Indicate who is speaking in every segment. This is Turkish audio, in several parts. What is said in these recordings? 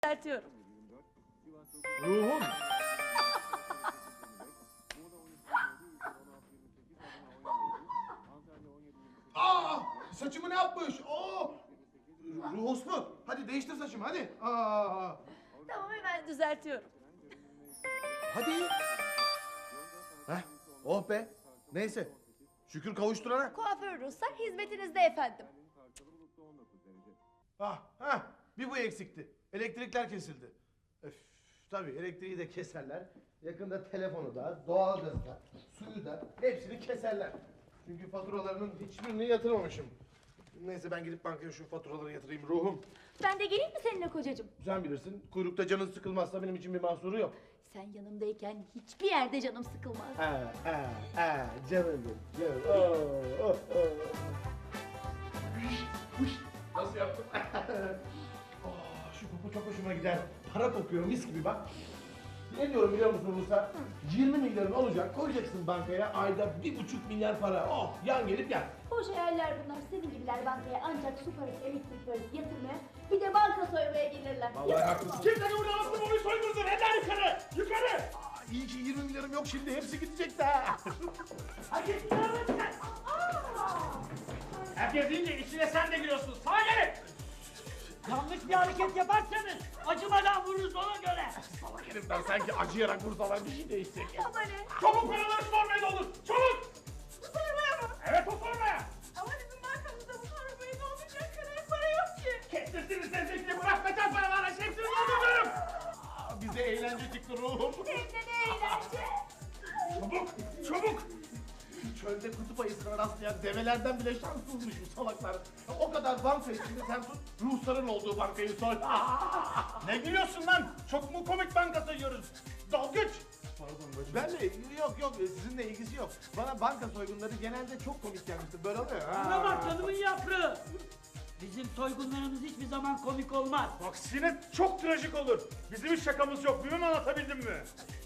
Speaker 1: düzeltiyorum.
Speaker 2: Ruhum. Aa, saçımı ne yapmış? Ruhos mu? Hadi değiştir saçımı hadi.
Speaker 1: Tamam, hemen düzeltiyorum.
Speaker 2: Hadi. Heh, oh be. Neyse. Şükür kavuşturana.
Speaker 1: Kuaför Ruslar hizmetinizde efendim.
Speaker 2: Bir bu eksikti. Elektrikler kesildi. Öf, tabii elektriği de keserler. Yakında telefonu da, doğalgazı da, suyu da hepsini keserler. Çünkü faturalarının hiçbirini yatırmamışım. Neyse ben gidip bankaya şu faturaları yatırayım ruhum.
Speaker 1: Ben de geleyim mi seninle kocacığım?
Speaker 2: Sen bilirsin. Kuyrukta canın sıkılmazsa benim için bir mahsuru yok.
Speaker 1: Sen yanımdayken hiçbir yerde canım sıkılmaz.
Speaker 2: Canım. Nasıl yaptım? Şu koku çok hoşuma gider. Para kokuyor mis gibi bak. Ne diyorum biliyor musun Ruslar? 20 milyarın olacak, koyacaksın bankaya, ayda 1,5 milyar para. Oh, yan gelip yan.
Speaker 1: Boş hayaller bunlar. Senin gibiler bankaya ancak su parası, elektrik parası yatırmaya, bir de banka soymaya gelirler.
Speaker 2: Vallahi haklısın.
Speaker 3: Kim seni burada alıp onu soydursun? Eller yukarı! Yukarı!
Speaker 2: İyi ki 20 milyarım yok şimdi, hepsi gidecek de.
Speaker 3: Hadi yukarı çıkar! Herkes deyince içine sen de giriyorsun. Sağa gelin! Yanlış bir hareket yaparsanız acımadan vururuz ona göre.
Speaker 2: Salak herifler sanki acıyarak vursalar bir şey değişecek.
Speaker 1: Ama ne?
Speaker 3: Çabuk paraları sormaya doldur. Çabuk!
Speaker 1: Bu sormaya mı?
Speaker 3: Evet o sormaya.
Speaker 1: Ama bizim bankamızda bu sormaya ne olacak kadar para yok ki.
Speaker 3: Kestirsiniz sesini bırak kaçan paralar. Hepsini dolduruyorum.
Speaker 2: Bize eğlence çıktı ruhum.
Speaker 1: Hem de ne eğlence.
Speaker 3: Çabuk! Çabuk!
Speaker 2: Çölde kutup ayısına rastlayan develerden bile şanssızmış bu salaklar. O kadar banka içinde sen tut, Rusların olduğu bankayı soy.
Speaker 3: Ne gülüyorsun lan? Çok mu komik banka sayıyoruz? Dalgıç!
Speaker 2: Pardon bacım. Ben de yok sizinle ilgisi yok. Bana banka soygunları genelde çok komik gelmiştir. Böyle oluyor.
Speaker 4: Buna bak canımın yaprağı. Bizim soygunlarımız hiçbir zaman komik olmaz.
Speaker 3: Aksine çok trajik olur. Bizim hiç şakamız yok. Bilmem anlatabildim mi?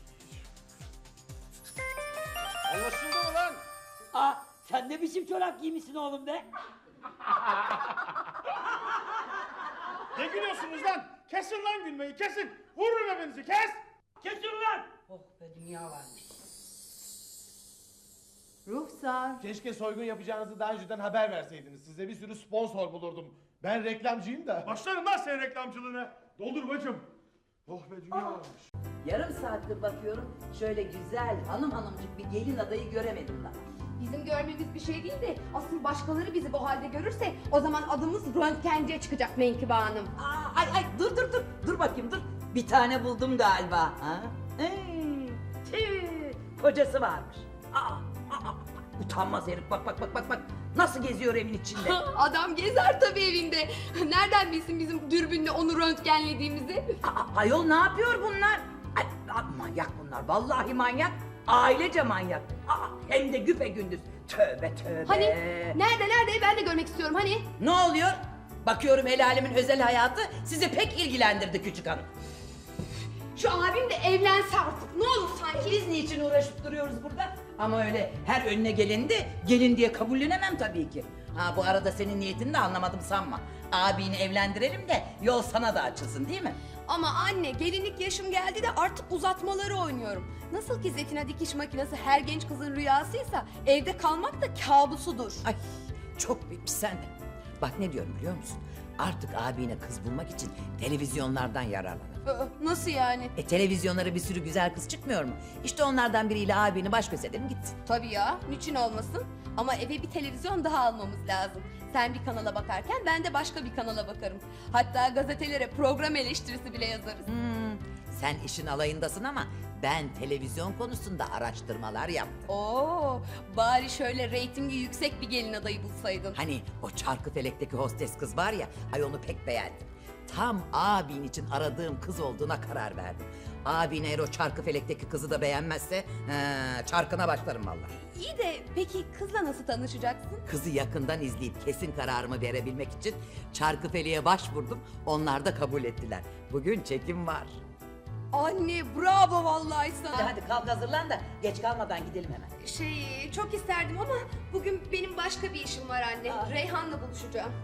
Speaker 2: Anlaşıldı mı lan?
Speaker 4: Aa, sen ne biçim çorap giymişsin oğlum be?
Speaker 3: Ne gülüyorsunuz lan? Kesin lan gülmeyi kesin. Vururum hepinizi kes.
Speaker 4: Kesin ulan! Oh be dünya varmış.
Speaker 1: Ruhsar.
Speaker 2: Keşke soygun yapacağınızı daha önceden haber verseydiniz. Size bir sürü sponsor bulurdum. Ben reklamcıyım da.
Speaker 3: Başlarım lan senin reklamcılığına. Doldur bacım.
Speaker 2: Oh be dünya varmış.
Speaker 5: Yarım saattir bakıyorum, şöyle güzel hanımcık bir gelin adayı göremedim daha.
Speaker 6: Bizim görmemiz bir şey değil de asıl başkaları bizi bu halde görürse o zaman adımız röntgenciye çıkacak Menkıbe Hanım.
Speaker 5: Ay dur bakayım dur. Bir tane buldum galiba. Ha? Kocası varmış. Utanmaz herif bak. Nasıl geziyor evin içinde?
Speaker 6: Adam gezer tabii evinde. Nereden bilsin bizim dürbünle onu röntgenlediğimizi?
Speaker 5: Ayol ne yapıyor bunlar? Manyak bunlar, vallahi manyak. Ailece manyak. Hem de güpegündüz. Tövbe.
Speaker 6: Hani nerede ben de görmek istiyorum hani.
Speaker 5: Ne oluyor? Bakıyorum el alemin özel hayatı sizi pek ilgilendirdi küçük hanım.
Speaker 6: Şu abim de evlense artık ne olur sanki.
Speaker 5: Biz niçin uğraşıp duruyoruz burada? Ama öyle her önüne geleni de gelin diye kabullenemem tabii ki. Bu arada senin niyetini de anlamadım sanma. Abini evlendirelim de yol sana da açılsın değil mi?
Speaker 6: Ama anne gelinlik yaşım geldi de artık uzatmaları oynuyorum. Nasıl ki Zetina dikiş makinesi her genç kızın rüyasıysa evde kalmak da kabusudur.
Speaker 5: Ay çok büyük sen de. Bak ne diyorum biliyor musun? Artık abine kız bulmak için televizyonlardan yararlanır.
Speaker 6: Nasıl yani?
Speaker 5: Televizyonlara bir sürü güzel kız çıkmıyor mu? İşte onlardan biriyle abini baş göz edelim gitsin.
Speaker 6: Tabii ya, niçin olmasın? Ama eve bir televizyon daha almamız lazım. Sen bir kanala bakarken ben de başka bir kanala bakarım. Hatta gazetelere program eleştirisi bile yazarız.
Speaker 5: Sen işin alayındasın ama ben televizyon konusunda araştırmalar yaptım.
Speaker 6: Oo, bari şöyle reytingi yüksek bir gelin adayı bulsaydın.
Speaker 5: Hani o Çarkıfelek'teki hostes kız var ya, ay onu pek beğendim. Tam abin için aradığım kız olduğuna karar verdim. Abin eğer o Çarkıfelek'teki kızı da beğenmezse çarkına başlarım vallahi.
Speaker 6: İyi de peki kızla nasıl tanışacaksın?
Speaker 5: Kızı yakından izleyip kesin kararımı verebilmek için Çarkıfelek'e başvurdum. Onlar da kabul ettiler. Bugün çekim var.
Speaker 6: Anne bravo vallahi sana.
Speaker 5: Hadi kalk hazırlan da geç kalmadan gidelim hemen.
Speaker 6: Çok isterdim ama bugün benim başka bir işim var anne. Reyhan'la buluşacağım.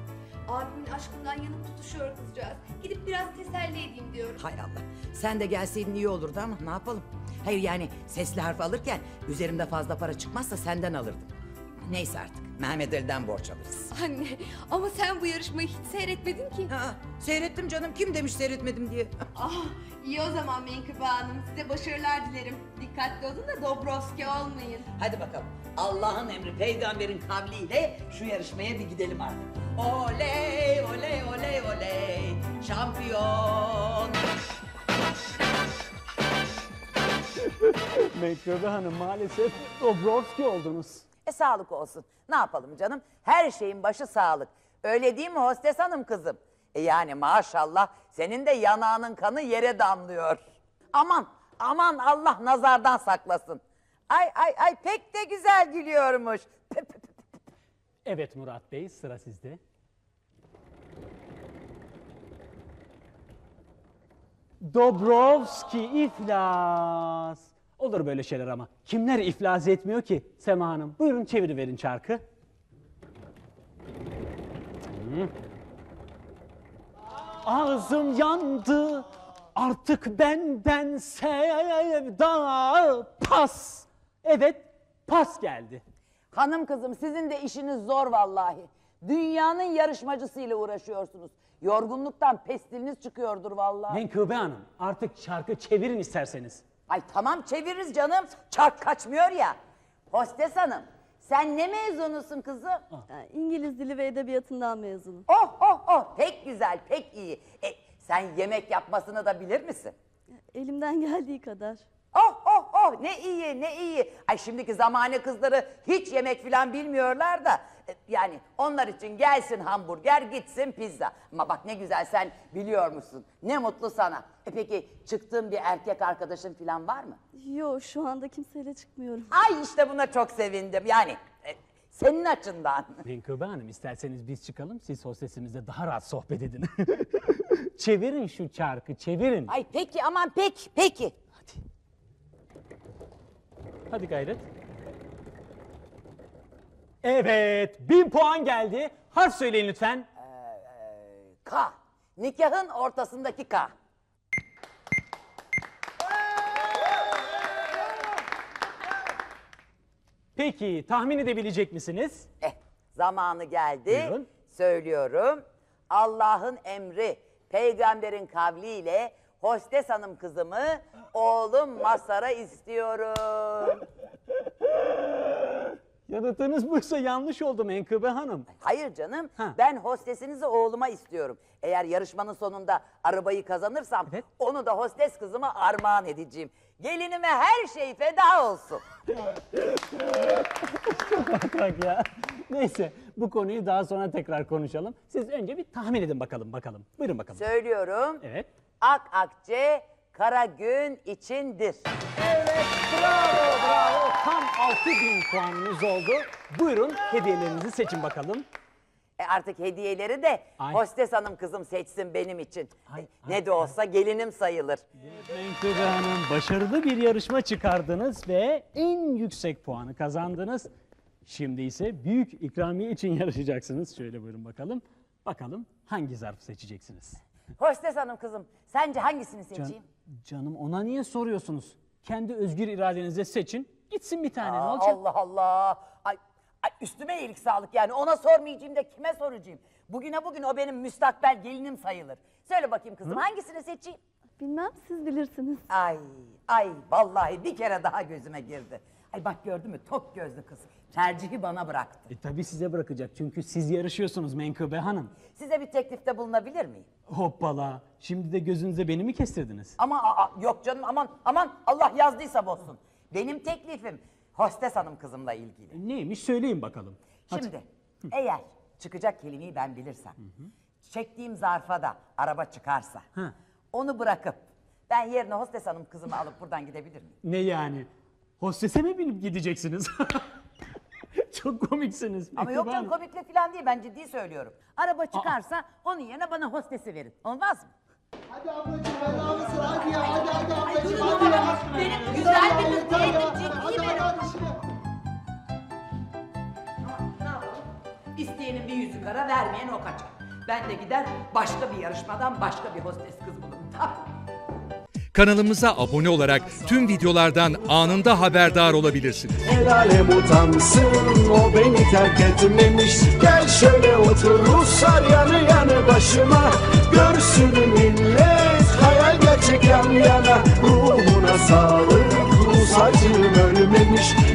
Speaker 6: Abimin aşkından yanıp tutuşuyor kızcağız. Gidip biraz teselli edeyim diyorum.
Speaker 5: Hay Allah. Sen de gelseydin iyi olurdu ama ne yapalım? Hayır yani sesli harf alırken üzerimde fazla para çıkmazsa senden alırdım. Neyse artık. Mehmet Ali'den borç alırız.
Speaker 6: Anne ama sen bu yarışmayı hiç seyretmedin ki.
Speaker 5: Ha, seyrettim canım. Kim demiş seyretmedim diye.
Speaker 6: Ah iyi o zaman Menkıbe Hanım. Size başarılar dilerim. Dikkatli olun da Dobrovski olmayın.
Speaker 5: Hadi bakalım. Allah'ın emri peygamberin kavliyle şu yarışmaya bir gidelim artık. Oley oley oley oley. Şampiyon.
Speaker 3: Menkıbe Hanım maalesef Dobrovski oldunuz.
Speaker 5: Sağlık olsun. Ne yapalım canım? Her şeyin başı sağlık. Öyle değil mi hostes hanım kızım? Yani maşallah senin de yanağının kanı yere damlıyor. Aman aman Allah nazardan saklasın. Ay pek de güzel gülüyormuş.
Speaker 3: Evet Murat Bey, sıra sizde. Dobrovski iflas. Olur böyle şeyler ama. Kimler iflas etmiyor ki? Sema Hanım, buyurun çeviriverin çarkı. Ağzım yandı, artık benden sevda pas. Evet, pas geldi.
Speaker 5: Hanım kızım sizin de işiniz zor vallahi. Dünyanın yarışmacısıyla uğraşıyorsunuz. Yorgunluktan pestiliniz çıkıyordur vallahi.
Speaker 3: Menkıbe Hanım, artık çarkı çevirin isterseniz.
Speaker 5: Ay tamam çeviririz canım. Çark kaçmıyor ya. Hostes hanım sen ne mezunusun kızım?
Speaker 7: İngiliz Dili ve Edebiyatı'ndan mezunum.
Speaker 5: Oh pek güzel pek iyi. Sen yemek yapmasını da bilir misin?
Speaker 7: Elimden geldiği kadar.
Speaker 5: Oh ne iyi ne iyi. Ay şimdiki zamane kızları hiç yemek falan bilmiyorlar da. Yani onlar için gelsin hamburger gitsin pizza. Ama bak ne güzel sen biliyor musun? Ne mutlu sana. Peki çıktığın bir erkek arkadaşın falan var mı?
Speaker 7: Yo şu anda kimseyle çıkmıyorum.
Speaker 5: Ay işte buna çok sevindim. Yani senin açından.
Speaker 3: Menkıbe Hanım, isterseniz biz çıkalım, siz hostesimizle daha rahat sohbet edin. Çevirin şu çarkı, çevirin.
Speaker 5: Ay peki aman peki.
Speaker 3: Hadi gayret. Evet, 1000 puan geldi. Harf söyleyin lütfen.
Speaker 5: K. Nikahın ortasındaki K.
Speaker 3: Peki, tahmin edebilecek misiniz?
Speaker 5: Zamanı geldi.
Speaker 3: Buyurun.
Speaker 5: Söylüyorum. Allah'ın emri, peygamberin kavliyle hostes hanım kızımı oğlum Masar'a istiyorum.
Speaker 3: Yanıtınız buysa yanlış oldu Menkıbe Hanım.
Speaker 5: Hayır canım,
Speaker 3: Ha.
Speaker 5: ben hostesinizi oğluma istiyorum. Eğer yarışmanın sonunda arabayı kazanırsam
Speaker 3: Evet.
Speaker 5: onu da hostes kızıma armağan edeceğim. Gelinime her şey feda olsun.
Speaker 3: Bak ya. Neyse, bu konuyu daha sonra tekrar konuşalım. Siz önce bir tahmin edin bakalım. Buyurun bakalım.
Speaker 5: Söylüyorum.
Speaker 3: Evet.
Speaker 5: Akçe kara gün içindir.
Speaker 3: Evet, bravo. Tam 6000 puanınız oldu. Buyurun, hediyelerinizi seçin bakalım.
Speaker 5: Artık hediyeleri de
Speaker 3: Ay.
Speaker 5: hostes hanım kızım seçsin benim için.
Speaker 3: Ay,
Speaker 5: Ne de olsa gelinim sayılır.
Speaker 3: Menkıbe Hanım, başarılı bir yarışma çıkardınız ve en yüksek puanı kazandınız. Şimdi ise büyük ikramiye için yarışacaksınız. Şöyle buyurun bakalım. Bakalım hangi zarfı seçeceksiniz?
Speaker 5: Hostes hanım kızım sence hangisini seçeyim?
Speaker 3: Canım, ona niye soruyorsunuz? Kendi özgür iradenizle seçin. Gitsin bir tane, ne olacak?
Speaker 5: Allah Allah. Ay üstüme iyilik sağlık yani ona sormayacağım da kime soracağım? Bugüne bugün o benim müstakbel gelinim sayılır. Söyle bakayım kızım hangisini seçeyim?
Speaker 7: Bilmem siz bilirsiniz.
Speaker 5: Ay vallahi bir kere daha gözüme girdi. Ay bak gördün mü tok gözlü kız. Tercihi bana bıraktı.
Speaker 3: Tabii size bırakacak çünkü siz yarışıyorsunuz Menkıbe Hanım.
Speaker 5: Size bir teklifte bulunabilir miyim?
Speaker 3: Hoppala, şimdi de gözünüze beni mi kestirdiniz?
Speaker 5: Ama yok canım aman Allah yazdıysa bozsun. Benim teklifim hostes hanım kızımla ilgili.
Speaker 3: Neymiş söyleyin bakalım. Hadi.
Speaker 5: Şimdi eğer çıkacak kelimeyi ben bilirsem, çektiğim zarfa da araba çıkarsa,
Speaker 3: Ha.
Speaker 5: onu bırakıp ben yerine hostes hanım kızımı alıp buradan gidebilir miyim?
Speaker 3: Ne yani? Hostese mi binip gideceksiniz? Çok komiksiniz.
Speaker 5: Ama
Speaker 3: Menkıbe
Speaker 5: yok canım
Speaker 3: Hanım.
Speaker 5: komiklik falan değil ben ciddi söylüyorum. Araba çıkarsa onun yerine bana hostesi verin. Olmaz mı?
Speaker 8: Hadi ablacığım helal olsun hadi ya hadi ablacığım hadi ya.
Speaker 5: Benim güzel bir kız diyelim ciddi verin.
Speaker 8: Hadi şimdi.
Speaker 5: Ne yapalım? İsteyenin bir yüzü kara vermeyen o kaçar. Ben de gider başka bir yarışmadan başka bir hostes kız bulurum. Tamam.
Speaker 9: Kanalımıza abone olarak tüm videolardan anında haberdar olabilirsiniz.
Speaker 8: El alem utansın, o beni terk etmemiş. Gel şöyle otur Ruslar yanı yanı başıma. Görsün millet, hayal gerçek yan yana. Ruhuna sağlık, Rus acım ölmemiş.